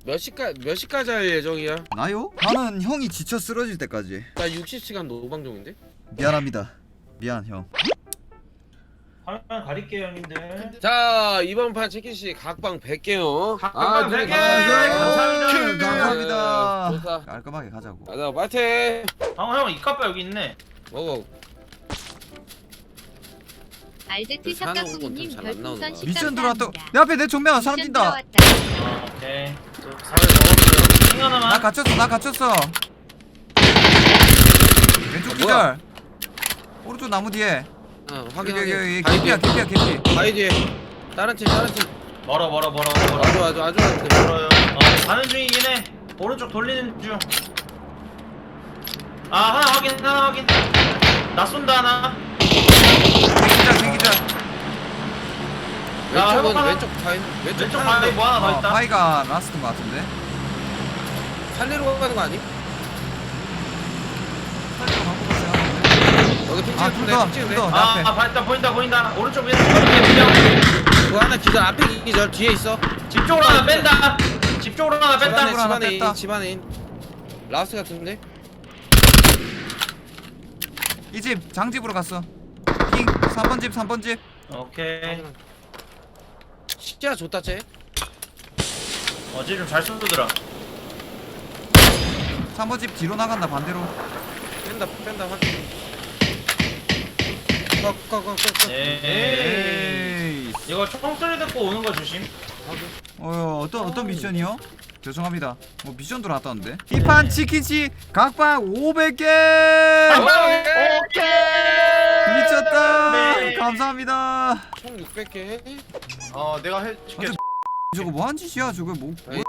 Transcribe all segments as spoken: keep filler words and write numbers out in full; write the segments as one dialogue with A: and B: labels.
A: 몇 시까 몇 시까지 할 예정이야?
B: 나요? 나는 형이 지쳐 쓰러질 때까지.
A: 나 육십 시간 노방종인데?
B: 미안합니다. 미안 형.
C: 화면 가릴게요 형님들.
A: 자 이번 판 치킨씨 각방 백 개요.
C: 각방 백 개!
B: 감사합니다. 감사합니다.
A: 아, 좋다.
B: 깔끔하게 가자고.
A: 가자 파이팅.
C: 방어 형 이카빠 여기 있네.
A: 먹어.
D: 알제트
A: 사는 건좀
D: 샷가꾸님
A: 잘안
D: 별풍선
A: 나오나.
D: 십
B: 미션 들어왔다.
D: 감사합니다.
B: 내 앞에 내 정면 사람
D: 미션
B: 뛴다.
D: 들어왔다.
C: 어, 오케이.
A: 사회 먹었어요.
C: 킹
B: 나
C: 하나만.
B: 갇혔어. 나 갇혔어. 왼쪽
A: 아,
B: 기절. 오른쪽 나무 뒤에.
A: 어
B: 여기
A: 확인
B: 여기 여기
A: 확인. 바위
B: 개피야
A: 뒤에.
B: 개피야 개피.
A: 바위 뒤에. 다른 팀 다른 팀.
C: 멀어 멀어 멀어 멀어.
A: 아주 아주 아주 아주.
C: 멀어요. 어 가는 중이긴 해. 오른쪽 돌리는 중. 아 하나 확인 하나 확인. 나 쏜다 하나.
B: 기절 개기절.
C: 야,
A: 왼쪽은
C: 하나.
A: 왼쪽 바위 왼쪽
C: 왼쪽
A: 하나인데
C: 바위 뭐 하나 더
B: 어,
C: 있다.
B: 파이가 라스트인 것 같은데.
A: 살리러 가는 거 아니?
B: 살리러 갖고 가세요.
A: 여기 핑
B: 아,
A: 찍은데
B: 둘
A: 핑 찍은데.
B: 더, 둘 더.
C: 아,
B: 앞에.
C: 아 보인다 보인다 보인다. 오른쪽 위에 집
A: 그거 하나 기절 앞에 기절 뒤에 있어.
C: 쪽으로 하나 뺀다. 집 쪽으로 하나
A: 집안에
C: 뺀다.
B: 집으로 하나
A: 집안에
B: 뺐다.
A: 인 집안에 인. 라스 같은데?
B: 이 집 장집으로 갔어. 핑 삼 번 집 삼 번 집.
C: 오케이.
A: 시야 좋다 쟤.
C: 어제 좀 잘 쏘더라.
B: 삼 번 집 뒤로 나간다 반대로.
A: 뺀다 뺀다 확인. 꺼꺼꺼꺼.
C: 네.
B: 에이.
C: 이거 총소리 듣고 오는 거 조심.
B: 어 어떤 어떤 미션이요? 죄송합니다. 뭐 미션 들어왔다는데. 이 판 치킨치 각방 오백 개.
C: 오케이.
B: 미쳤다.
C: 네.
B: 감사합니다.
A: 총 육백 개.
E: 어 내가 해줄게.
B: 완전 저거 뭐한 짓이야? 저거 뭐? 뭐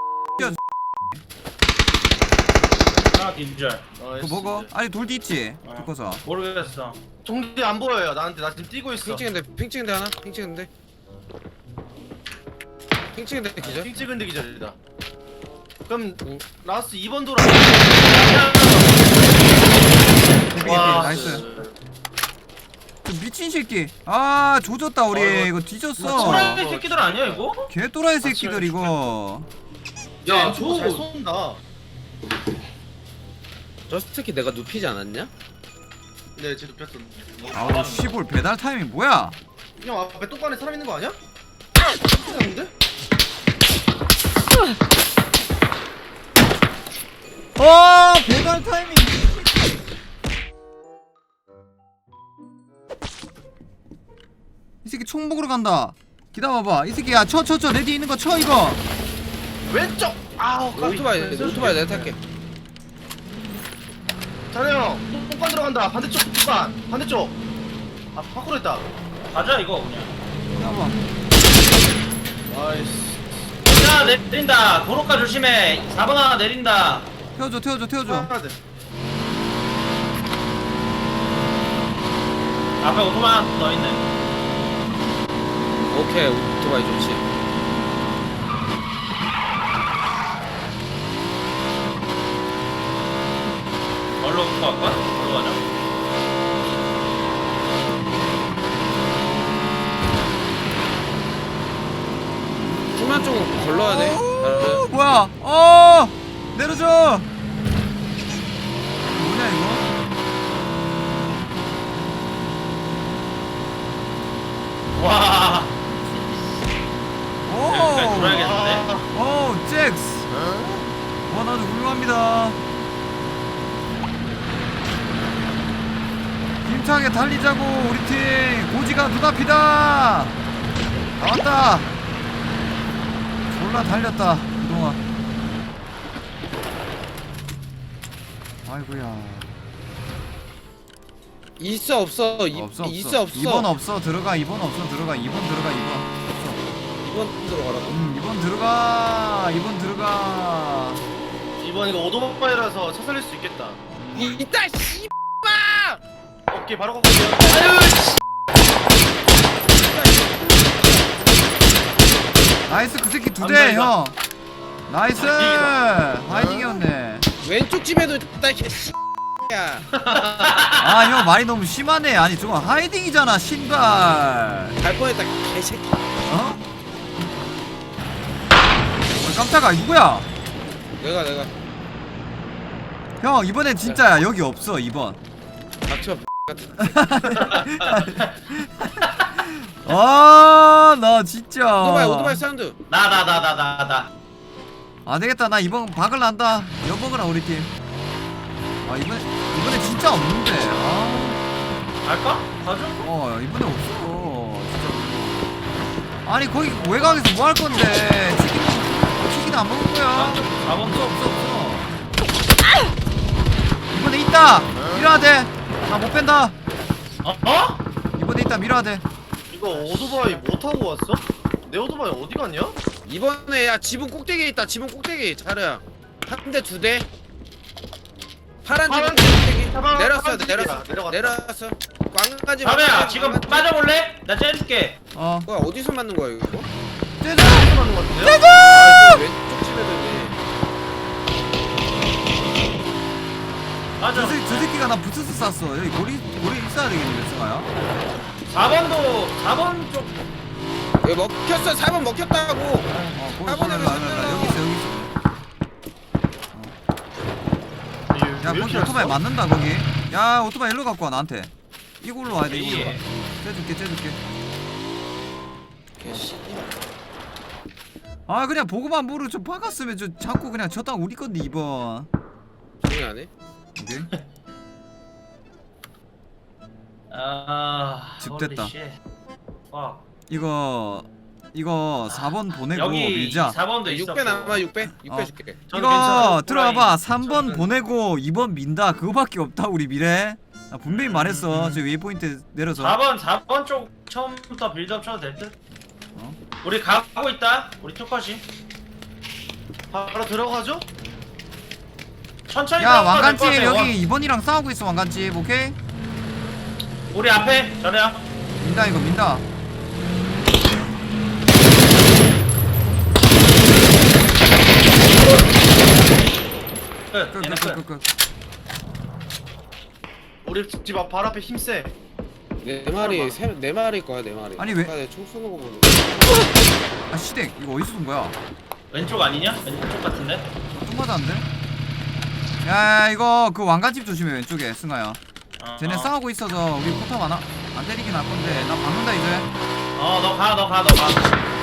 C: 하나 딘절.
E: 어,
B: 그거 먹어? 아니 돌디 있지?
C: 어.
B: 듣고서.
C: 모르겠어.
E: 종지 안 보여요. 나한테 나 지금 뛰고 있어.
A: 핑 찍은데 핑 찍은데 하나? 핑 찍은데. 핑 찍은데 기절.
E: 핑 찍은 데 기절이다. 그럼
A: 응.
E: 라스 이 번 돌아.
B: 개피,
E: 와,
B: 나이스. 저 미친 새끼. 아 조졌다 우리.
E: 어,
B: 이거
E: 이거
B: 뒤졌어.
C: 소라이 새끼들 아니야 이거?
B: 개 또라이 새끼들 이거.
E: 야,
C: 저-
E: 저잘 쏜다.
A: 저 스티키 내가 눕히지 않았냐?
E: 네, 제 눕혔어.
B: 아우 시골 배달 타이밍 뭐야?
E: 형 앞에 똥간에 사람 있는 거 아니야? 데
B: 어 배달 타이밍. 이 새끼 총 먹으러 간다. 기다려봐. 이 새끼야 쳐 쳐 쳐 내 뒤에 있는 거 쳐 이거.
E: 왼쪽. 아우,
A: 오토바이 오토바이 내가 탈게.
E: 자네 형, 똥간 들어간다. 반대쪽 똥간. 반대쪽. 아, 밖으로 있다.
C: 가자 이거 그냥.
B: 기다려봐.
E: 나이스.
C: 야 내린다. 도로가 조심해. 사 번 하나 내린다.
B: 태워줘 태워줘 태워줘.
E: 하나 돼.
C: 앞에 오토바이 하나 더 있네.
A: 오케이 오토바이 좋지.
C: 얼로 갈까? 얼로 가자.
A: 중간 쪽은 걸러야 돼.
B: 어, 뭐야? 어 내려줘. 뭐냐 이거?
C: 와. 여기까지
B: 오.
C: 돌아야겠는데?
B: 오 잭스. 와 나도 훌륭합니다. 힘차게 달리자고 우리 팀. 고지가 눈앞이다. 나왔다. 졸라 달렸다 그동안. 아이고야.
A: 있어 없어 이,
B: 없어 없어.
A: 있어 없어.
B: 이번 없어 들어가. 이번 없어 들어가. 이번 들어가. 이번 없어.
A: 이번 들어가라고.
B: 음 이번 들어가. 이번 들어가.
E: 이번 이거 오토바이라서 차 살릴 수 있겠다.
A: 이 이따 씨.
E: 오케이, 바로 갈게요.
B: 나이스 그 새끼 두
C: 안
B: 대
C: 달다.
B: 형. 나이스.
E: 하이딩이다.
B: 하이딩이었네.
A: 왼쪽 집에도 있다 이 씨. 야.
B: 아 형 말이 너무 심하네. 아니 저거 하이딩이잖아 신발.
A: 갈 뻔했다 개새끼.
B: 어? 어 깜짝아 누구야?
A: 내가 내가
B: 형 이번엔 진짜야. 여기 없어 이번.
A: 닥쳐
B: 아, 나 진짜.
A: 오토바이 오토바이 사운드.
C: 나 나 나 나 나 나.
B: 안 되겠다. 나 이번 박을 난다. 여먹으라 우리 팀. 아 이번에 이번에 진짜 없는데. 아,
C: 갈까? 가죠?
B: 어 이번에 없어. 진짜. 아니 거기 외곽에서 뭐 할 건데? 치킨 치킨 안 먹을 거야.
C: 사 번
B: 없어 없어 없어. 이번에 있다. 밀어야 돼. 나 못 뺀다.
C: 어? 어?
B: 이번에 있다. 밀어야 돼.
E: 이거 오토바이 뭐 타고 왔어? 내 오토바이 어디 갔냐?
A: 이번에 야 지붕 꼭대기에 있다. 지붕 꼭대기 자르야. 한 대 두 대. 파란 지붕
E: 파란
A: 꼭대기.
E: 파란
A: 내렸어
E: 파란 집이야.
A: 내렸어
E: 내려갔다.
A: 내렸어. 꽝까지.
C: 자루야 지금 빠져볼래? 나 째줄게.
B: 어.
A: 뭐야 어디서 맞는 거야 이거?
B: 쟤들.
E: 어디서 맞는 거 같은데요?
A: 아, 이거 왼쪽 집에더니.
C: 맞아.
B: 저, 새, 저 새끼가 나 부스스 쐈어. 여기 고리 고리 있어야 되겠는데 승아야.
C: 사 번도 사 번 쪽.
A: 여기 먹혔어. 사 번 먹혔다고.
B: 어 거기
A: 사
B: 거기
A: 번에
B: 일로 와, 일로 와, 일로 와. 여기 있어 여기 있어. 야 거기 오토바이 맞는다 거기. 야 오토바이 일로 갖고 와 나한테. 이걸로 와야 돼 이걸로.
C: 예.
B: 째줄게 째줄게.
A: 개씨.
B: 아 그냥 보고만 모르 좀 박았으면 저 자꾸 그냥 저 땅 우리 건데 이번.
A: 조용히 안 해?
B: 오케이.
C: 아.
B: 집 됐다.
C: 홀리 쉣. 와.
B: 이거 이거 사 번 보내고
C: 여기
B: 밀자.
C: 사 번도 있어.
A: 육 배 남아 육 배? 육 배
B: 어.
A: 줄게.
C: 저는
B: 이거
C: 괜찮아요.
B: 들어와봐.
C: 호랑이.
B: 삼 번
C: 저는-
B: 보내고 이 번 민다. 그거밖에 없다 우리 미래. 나 분명히 말했어. 저 웨이포인트 내려서.
C: 사 번 사 번 쪽 처음부터 빌드업 쳐도 될 듯?
B: 어?
C: 우리 가고 있다. 우리 투컷이.
E: 바로 들어가죠?
C: 천천히
B: 야
C: 들어가도 될것
B: 왕관집
C: 같아, 원.
B: 여기 이 번이랑 싸우고 있어 왕관집. 오케이?
C: 우리 앞에 저래야.
B: 민다 이거 민다.
C: 끝. 얘네 끝.
B: 끝끝끝끝.
E: 우리 집 앞 바로 앞에 힘세.
A: 네 마리 세, 네 마리일 거야 네 마리.
B: 아니, 왜-
A: 아까 내가 총 쏘는 거 보는.
B: 아 시댁 이거 어디서 쏜 거야?
C: 왼쪽 아니냐? 왼쪽 같은데?
B: 좀 맞았는데? 야 이거 그 왕관집 조심해 왼쪽에 승아야.
C: 어,
B: 쟤네
C: 어.
B: 싸우고 있어서 우리 포탑 하나 안 때리긴 할 건데 나 박는다 이제.
C: 어, 너 가, 너 가, 너 가.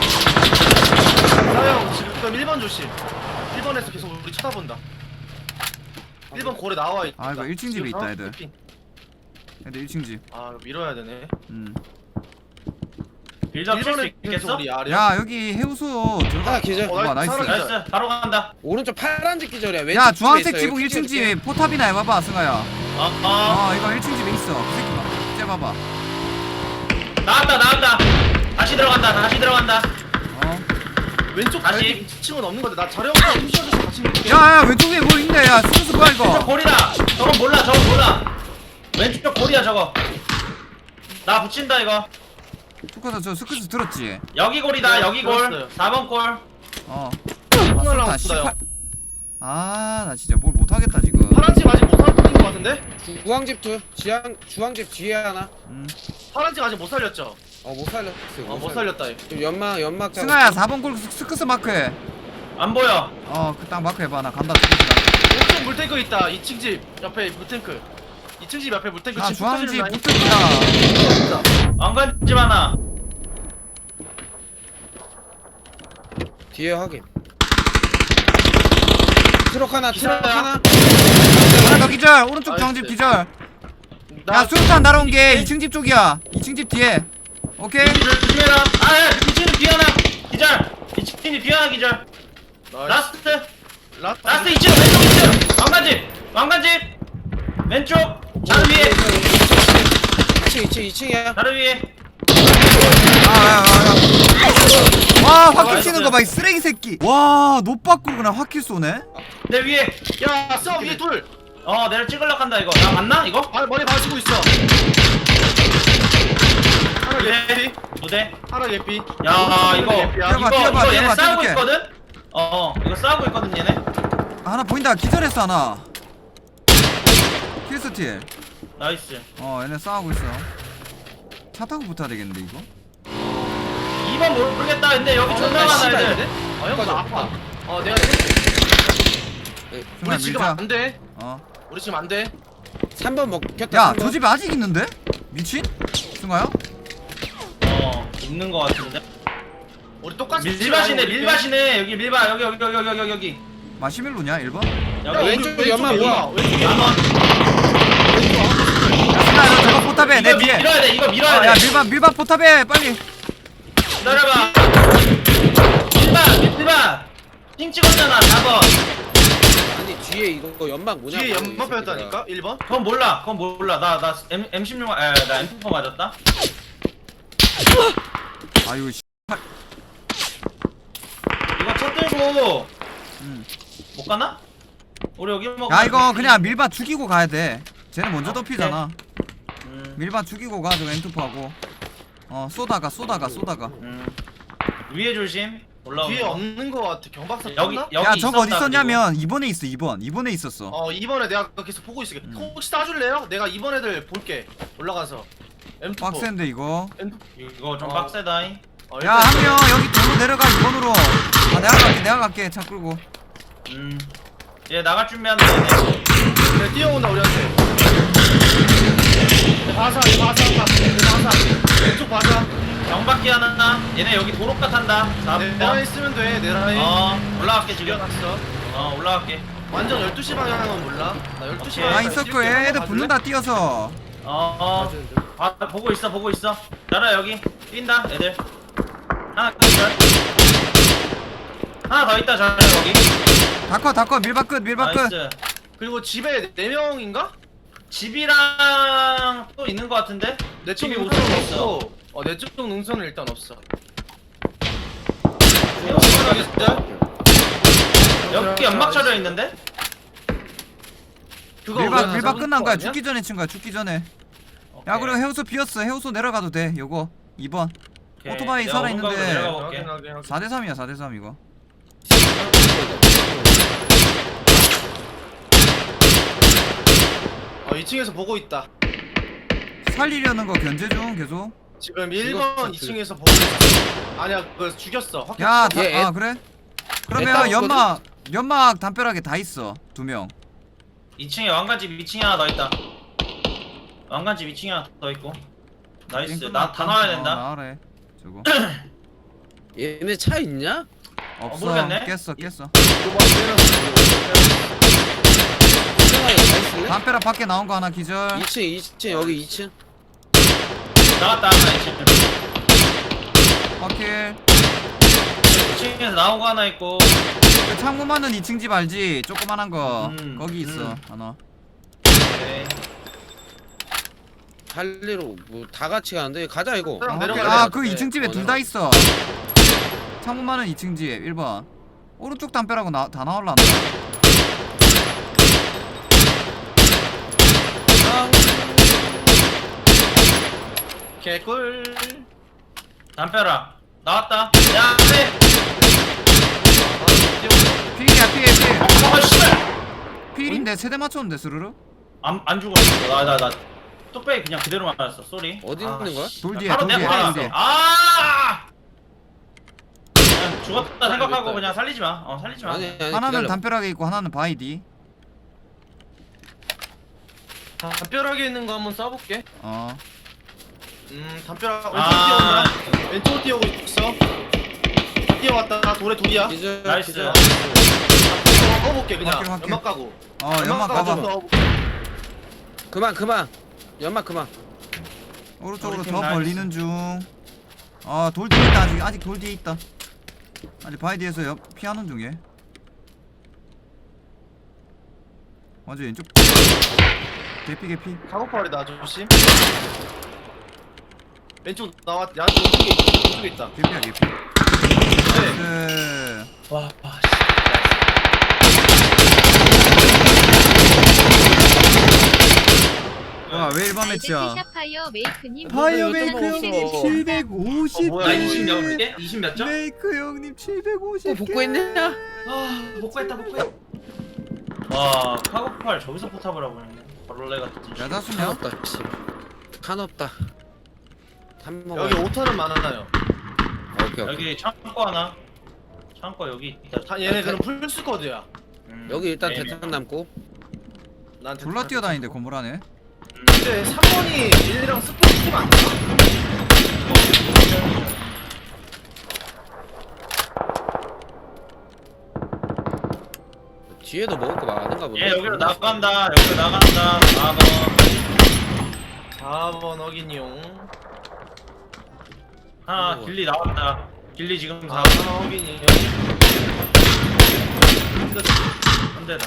E: 사형 지금 일 번 조심. 일 번에서 계속 우리 쳐다본다. 일 번 고래 나와 있다.
B: 아, 이거 일 층 집에
E: 지금
B: 있다,
E: 바로
B: 애들.
E: 핑.
B: 애들 일 층 집.
E: 아 이거 밀어야 되네.
B: 음.
C: 빌드업 칠수
E: 일 번에 계속
C: 있겠어?
E: 우리 아래.
B: 야 여기 해우소 들어가.
A: 하나 기절.
E: 어,
B: 봐, 나이스.
E: 사람 기절.
C: 나이스, 바로 간다.
A: 오른쪽 파란색 기절이야. 왼쪽
B: 야
A: 집에
B: 주황색
A: 있어.
B: 지붕
A: 여기
B: 일 층
A: 찍어줄게.
B: 집 포탑이나 해봐봐 승아야.
C: 어, 어.
B: 어 이거 일 층 집에 있어. 그 새끼 봐. 째봐봐.
C: 나왔다, 나왔다. 다시 들어간다, 다시 들어간다.
B: 어.
E: 왼쪽
C: 다시.
E: 다시 이 층은 없는 건데 나 자료부터 훔쳐줘서 같이 밀게.
B: 야야 왼쪽에 뭐 있네. 야 스쿠스 뭐야
C: 왼쪽
B: 이거.
C: 골이다. 저건 몰라, 저건 몰라. 왼쪽 골이야, 저거. 나 붙인다, 이거.
B: 축하다 저 스쿠스 들었지?
C: 여기 골이다,
E: 네,
C: 여기 골.
E: 들었어요.
C: 사 번 골.
B: 어.
E: 콩알
B: 아,
E: 나왔다
B: 십팔. 아, 나 진짜 뭘 못하겠다 지금.
E: 파란 집 아직 못 살린 거 같은데?
A: 주황집 둘. 지향 주황집 뒤에 하나.
B: 음.
E: 파란 집 아직 못 살렸죠?
A: 어 못 살렸어.
E: 어 못 살렸다. 얘.
A: 지금 연막 연막. 잡고.
B: 승아야 사 번 골 스쿠스 마크해.
C: 안 보여.
B: 어, 그 딱 마크 해봐. 나 간다. 스쿠스가.
E: 오른쪽 물탱크 있다. 이 층 집 옆에 물탱크. 이 층 집 옆에 물탱크.
B: 아,
E: 집
B: 주황집
E: 붙어지는 라인.
B: 붙었다.
C: 왕관집 하나.
A: 뒤에 확인. 트럭 하나. 트럭
E: 기사야.
A: 하나.
B: 하나 더 기절. 오른쪽 주황집
E: 나이스.
B: 기절.
E: 나
B: 야, 수류탄 날아온 게 이 층 집 쪽이야. 이 층 집 뒤에. 오케이.
C: 조심해라. 아, 야, 미치는 비 하나. 기절. 미치는 비 하나 기절.
E: 나이스.
C: 라스트.
E: 라스트.
C: 라스트 이 층, 왼쪽 이 층. 왕관집. 왕관집. 왼쪽. 자루 위에.
A: 이 층 이 층 이 층이야.
C: 자루 위에.
B: 아, 야, 야, 야. 와, 화킬
C: 나이스.
B: 치는 거 봐, 이 쓰레기 새끼. 와, 노 바꾸고 그냥 화킬 쏘네.
C: 내 위에.
E: 야, 써 위에 둘.
C: 어, 내가 찍으려고 한다 이거. 나 맞나 이거?
E: 아, 머리 봐주고 있어. 하나
C: 네.
E: 개피.
C: 두 대.
E: 하나 개피.
C: 야, 이거.
E: 개피야.
B: 뛰어봐,
C: 이거
B: 뛰어봐,
C: 이거 얘네
B: 뛰어봐,
C: 싸우고
B: 뛰어볼게.
C: 있거든. 어, 이거 싸우고 있거든 얘네.
B: 아, 하나 보인다. 기절했어, 하나. 킬스틸.
C: 나이스.
B: 어, 얘네 싸우고 있어. 차 타고 붙어야 되겠는데, 이거?
C: 이 번 모르겠다. 근데 여기 존나 많아
E: 씨발,
C: 애들.
E: 근데? 어, 형,
A: 맞아.
E: 나 아파. 어, 내가
B: 승아
E: 우리 지금
B: 밀자.
E: 안돼
B: 어.
E: 우리 지금 안돼
A: 삼 번 먹혔다.
B: 야,
A: 삼 번.
B: 저 집에 아직 있는데? 미친? 승아야?
C: 어 있는 거 같은데.
E: 우리 똑같이
C: 밀밭이네 밀밭이네. 여기 밀밭 여기 여기 여기 여기 여기 여기
B: 마시멜로냐 일 번?
E: 야,
C: 여기
A: 왼쪽
E: 왼쪽
A: 연막
E: 왼쪽
A: 뭐야?
E: 왼쪽
C: 한번.
B: 야, 승아 너 저거 포탑에 내
C: 이거
B: 뒤에.
C: 밀어야 돼. 이거
B: 아,
C: 밀어야
B: 야
C: 돼.
B: 밀반 밀반 포탑에 빨리.
C: 기다려봐. 밀밭 밀밭. 핑 찍었잖아 사 번.
A: 아니 뒤에 이거 연막 뭐냐?
E: 뒤에 연막 뺐다니까 일 번
C: 그건 몰라. 그건 몰라. 나나 엠 십육 아, 나 엠 사 맞았다.
B: 아유 씨.
C: 이거 첫 들고
B: 음.
C: 못 가나? 우리 여기 먹.
B: 야 이거 그냥 밀반 죽이고 가야 돼. 쟤는 먼저
C: 아,
B: 덮이잖아.
C: 음,
B: 밀반 죽이고 가. 저거 엔투프하고. 어 쏘다가 쏘다가 쏘다가.
C: 음. 위에 조심. 올라오는
E: 뒤에
C: 거.
E: 없는 거 같아 경박사
C: 여기
E: 떴나?
C: 여기
B: 야 저거 어디
C: 있었다,
B: 있었냐면 이 번에 있어 이 번. 이 번에 있었어.
E: 어 이번에 내가 계속 보고 있을게
B: 음.
E: 혹시 따줄래요? 내가 이번 애들 볼게 올라가서 엠 투
B: 빡센데 이거.
E: 엠 투
C: 그리고. 이거 좀
E: 어.
C: 빡세다잉.
E: 어,
B: 야
E: 일단
B: 한 명 여기 돌로 내려가 이 번으로. 아 내가 갈게 내가 갈게 차 끌고.
C: 음. 얘 나갈 준비한다 얘네.
E: 네, 뛰어온다 우리한테 네, 바사 얘 바사 네, 바사 왼쪽 바사
C: 경박기 하나. 얘네 여기 도로가 탄다. 사
E: 네, 내
C: 번.
E: 라인 쓰면 돼내 라인
C: 어 올라갈게 지금.
E: 죽여놨어
C: 어 올라갈게.
E: 완전 열두 시 방향은 몰라 나 열두 시
C: 오케이.
B: 아
E: 방향
B: 있었고 애들 붙는다 뛰어서.
C: 어어. 아 보고 있어 보고 있어. 자라 여기 뛴다 애들. 하나 끝. 하나 더 있다 자라 여기.
B: 다커 다커 밀박 끝 밀박 끝.
C: 나이스.
E: 그리고 집에 네 명인가?
C: 집이랑 또 있는 거 같은데?
E: 내쪽
C: 집이
E: 능선은
C: 우측에 있어.
E: 없고 어 내쪽 능선은 일단 없어
C: 여기 연막 쳐져 있는데?
E: 그거
B: 밀박
E: 우리가
B: 밀박
E: 잡은
B: 끝난
E: 거
B: 거야.
E: 아니야?
B: 죽기 전에 친 거야. 죽기 전에. 야
C: 오케이.
B: 그리고 해우소 비었어. 해우소 내려가도 돼. 요거 이 번.
C: 오케이.
B: 오토바이
C: 내가
B: 살아있는데.
C: 오른쪽으로 내려가 볼게.
E: 확인, 확인, 확인.
B: 사 대 삼이야 사 대 삼 이거.
E: 어 이 층에서 보고 있다
B: 살리려는 거 견제 중 계속.
E: 지금 일
A: 죽었어,
E: 번 이 층에서 보고 있어 아니야 그거 죽였어 확인
B: 야,
E: 찍었어.
B: 다,
A: 얘 애-
B: 아 그래?
A: 애
B: 그러면
A: 따왔거든?
B: 연막 연막 담벼락에 다 있어 두 명.
C: 이 층에 왕관집 이 층에 하나 더 있다. 왕관집 이 층에 하나 더 있고. 나이스. 나 다 나와야 된다.
B: 어, 나와래. 저거
A: 얘네 차 있냐?
B: 없어.
C: 모르겠네.
B: 깼어 깼어.
A: 이상하게 차 있을래?
B: 담벼락 밖에 나온 거 하나 기절.
A: 이 층 이 층 여기 이 층.
C: 나갔다 하나 이 층.
B: 확킬.
C: 이 층에서 나온 거 하나 있고.
B: 그 창문 많은 이 층 집 알지? 조그만한 거
C: 음,
B: 거기 있어
C: 음.
B: 하나.
C: 오케이.
A: 할리로 뭐 다 같이 가는데 가자 이거.
E: 그럼
B: 아,
E: 내려가야
B: 아,
E: 돼.
B: 그 이 층 집에
A: 어,
B: 둘 다 있어. 창문 많은 이 층 집 일 번. 오른쪽 담벼락은 나, 다 나올란다.
E: 개꿀
C: 담벼락 나왔다. 야, 네.
B: 필이야 필 필.
C: 아, 씨발.
B: 필인데 세대 맞췄는데 스르르?
C: 안, 안 죽었어. 나, 나, 나. 뚝배기 그냥 그대로 맞았어. 쏘리.
A: 어디
C: 아,
A: 있는 거야?
C: 씨.
B: 돌 뒤에
C: 바로
B: 돌
C: 내
B: 뒤에
C: 앞에
B: 돌
C: 있어.
B: 뒤에.
C: 아! 그냥 죽었다 생각하고
A: 알겠다.
C: 그냥 살리지 마. 어, 살리지 마.
A: 아니 아니
B: 하나는
A: 기다려.
B: 담벼락에 있고 하나는 바이디.
E: 담벼락에 있는 거 한번 쏴볼게
B: 어.
E: 음 담벼락 왼쪽
C: 아,
E: 뛰어온다 왼쪽 뛰어오고 있어 뛰어왔다 돌에 돌이야
A: 기절
C: 나이스.
A: 기절.
E: 넣어볼게 그냥
B: 확인, 확인.
E: 연막 가고
B: 어 연막
E: 가고
B: 가봐.
E: 넣어볼게.
A: 그만 그만. 연막 그만.
B: 오른쪽으로
C: 우리 팀
B: 더
C: 나이스.
B: 벌리는 중. 아 돌 뒤에 있다 아직 아직 돌 뒤에 있다. 아직 바이디에서 옆 피하는 중에. 먼저 왼쪽. 개피 개피.
E: 작업발이다 조심 왼쪽 나왔 야 왼쪽에 있- 왼쪽에 있다
B: 개피야 개피.
E: 네.
B: 네.
C: 와, 와,
B: 와왜 일 번 매치야?
D: 파이어 메이크님
B: 파이어
D: 모두
B: 메이크
D: 일단
B: 형님
D: 없어.
B: 칠백오십
C: 나
B: 개.
C: 이십 몇 개? 이십 몇 점?
B: 메이크 형님 칠백오십 개.
A: 또 복구했냐?
C: 아, 복구했다, 복구했다. 와, 카고팔 저기서 포탑을 하고 있네. 벌레 같은 짓.
A: 칸
B: 야자수냐?
A: 없다. 씨. 칸 없다. 한 먹어.
E: 여기 오타는 많아요
A: 오케이 오케이.
C: 여기 창고 하나. 창고 여기 있다.
E: 다 얘네 그럼 풀스쿼드야
C: 음,
A: 여기 일단
C: 에이미.
A: 대탄 남고.
E: 난
B: 졸라 뛰어다니는데 건물 안에.
C: 음.
E: 근데 삼 번이 일이랑 스포츠 팀 아니야?
A: 뒤에도 먹을 거 많은가 보네.
C: 얘 여기로 나간다. 여기로 나간다. 사 번.
E: 사 번 확인용.
C: 하나
A: 어머.
C: 길리 나왔다. 길리 지금 사
E: 아
C: 번.
E: 하나 확인이요.
C: 한 대다.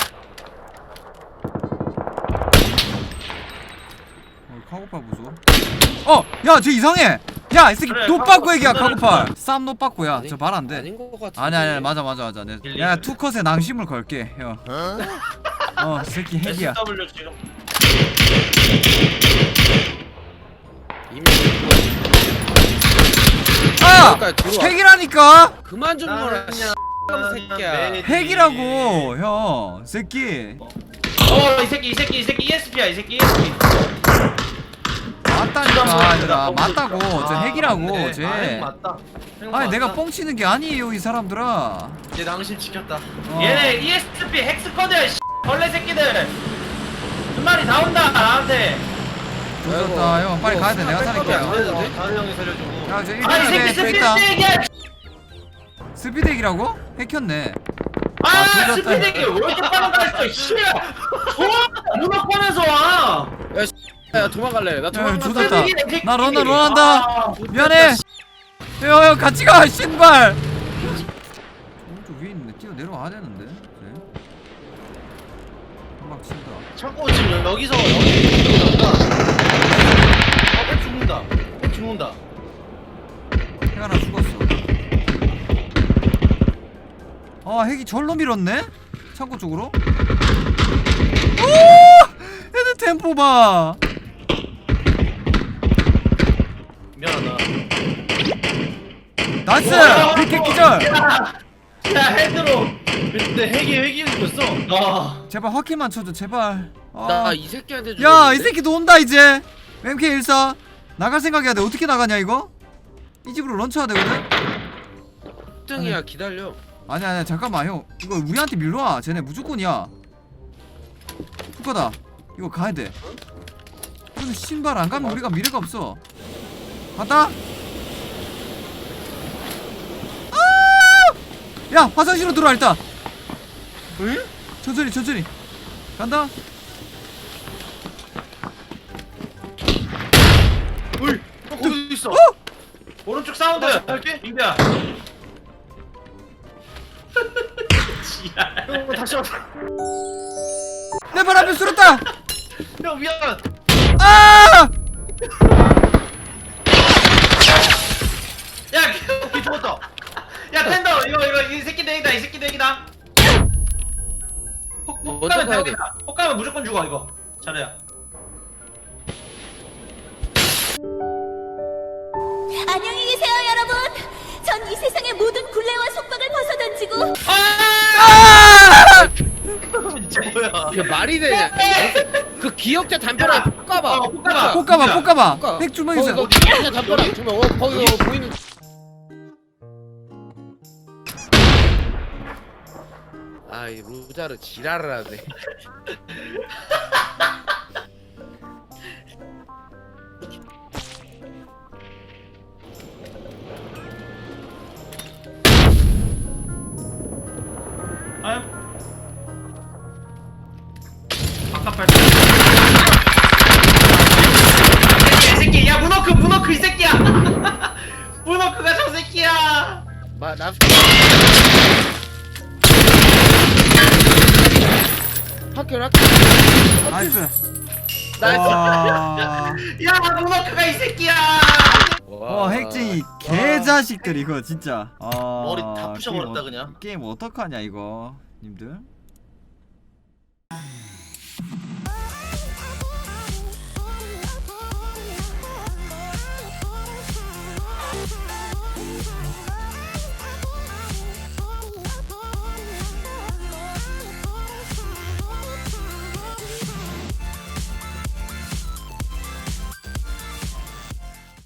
B: 어, 카고팔 보소. 어! 야, 쟤 이상해! 야, 이 새끼
C: 그래,
B: 노빠꾸 얘기야,
C: 카고팔.
B: 카고팔. 쌈 노빠꾸야.
A: 아니,
B: 저 말 안 돼.
A: 아닌 거 같은데.
B: 아니, 아니, 아니, 맞아, 맞아, 맞아. 내,
C: 일리.
B: 야, 투컷에 낭심을 걸게, 형. 어, 이 새끼 핵이야.
C: 에스 더블유 지금.
A: 이미
B: 아!
A: 여기까지 들어와.
B: 핵이라니까!
A: 그만 좀 놀아.
E: 나는
A: 씨, 새끼야.
E: 네.
B: 핵이라고, 형. 새끼.
C: 어, 이 새끼, 이 새끼, 이 새끼 이에스피야, 이 새끼 이에스피.
B: 맞다니까, 얘들아. 맞다고. 저
E: 아,
B: 핵이라고,
E: 맞네.
B: 쟤.
E: 아, 핵 맞다. 핵
B: 아니,
E: 맞다.
B: 내가 뻥치는 게 아니에요, 이 사람들아.
E: 내 낭심 지켰다.
B: 어.
C: 얘네 이에스피 핵스쿼드, 씨, 벌레 새끼들. 한 마리 다 온다, 나한테.
B: 좋았다, 형. 빨리 가야 돼. 내가 살릴게.
A: 안 되는데?
E: 다른 형이 살려주고.
B: 야, 저
C: 아, 이 새끼
B: 일본에
C: 스피드
B: 있다.
C: 핵이야.
B: 스피드 핵이라고? 핵혔네.
C: 아,
B: 아, 조졌다.
C: 스피드 핵이 왜 이렇게 빠른 거 했어, 씨. 좋아, 문어권에서 와.
A: 야 도망갈래. 나
B: 야,
A: 도망간다.
B: 조졌다.
C: 스피드 핵 새끼.
B: 나 런다, 런한다.
C: 아,
B: 미안해. 형, 형, 같이 가, 신발. 오른쪽 위에 있는데 뛰어 내려와야 되는데. 네. 한방 친다.
E: 창고 지금 여기서 여기 나온다. 아, 핵 죽는다. 핵 죽는다.
B: 핵 하나 죽었어. 아, 핵이 절로 밀었네? 창고 쪽으로? 오! 애들 템포 봐.
E: 미안하다.
B: 나이스!
C: 와,
B: 핵 기절!
C: 야, 야, 헤드로.
E: 근데 핵이 핵이 생겼어.
C: 아,
B: 제발 화킬만 쳐줘, 제발. 아.
A: 나 이 새끼한테 주.
B: 야, 이 새끼도 온다, 이제. 엠케이 일사. 나갈 생각해야 돼. 어떻게 나가냐, 이거? 이 집으로 런처해야 되거든?
A: 등이야 기다려.
B: 아니, 아니, 잠깐만, 형. 이거 우리한테 밀러와. 쟤네 무조건이야. 후커다. 이거 가야 돼. 근데 신발 안 가면 우리가 미래가 없어. 갔다? 아! 야, 화장실로 들어와, 일단.
E: 응?
B: 천천히, 천천히. 간다?
E: 어이, 어, 거기 있어.
B: 어?
C: 오른쪽 사운드.
E: 다시 할게.
C: 민규야. 지랄.
E: 형 다시 왔다.
B: 내 발 앞에 쓸었다!
E: 형 미안.
B: 아!
C: 야,
E: 형 죽었다.
C: 야, 텐더 이거 이거 이 새끼 대기다, 이 새끼 대기다. 혹
A: 먼저
C: 혹가면
A: 가야 돼.
C: 대기다. 혹가면 무조건 죽어 이거. 잘해야.
D: 안녕히 계세요, 여러분. 전 이 세상의 모든 굴레와 속박을 벗어던지고
B: 아!
E: 뭐야?
A: 이게 말이 되냐? 그 기억자 담벼락에 볶아봐.
C: 어, 볶아봐.
B: 볶아봐, 볶아봐.
A: 볶아.
B: 핵 주머니
A: 거기
B: 있어.
A: 그 기억자 담벼락 주면 어 거기 어, 보이는. 아이 루자르 지랄을 하네.
C: 아유. 바깥발. 이 새끼, 야 문어크, 문어크 이 새끼야. 문어크가 저 새끼야.
A: 마 나. 학교 학교.
B: 나이스.
A: 나이스.
B: 와,
C: 야 문어크가 이 새끼야.
B: 와, 핵쟁이 개자식들 이거 진짜. 아,
E: 머리 다 부셔버렸다,
B: 게임 어-
E: 그냥.
B: 게임 어떡하냐 이거, 님들.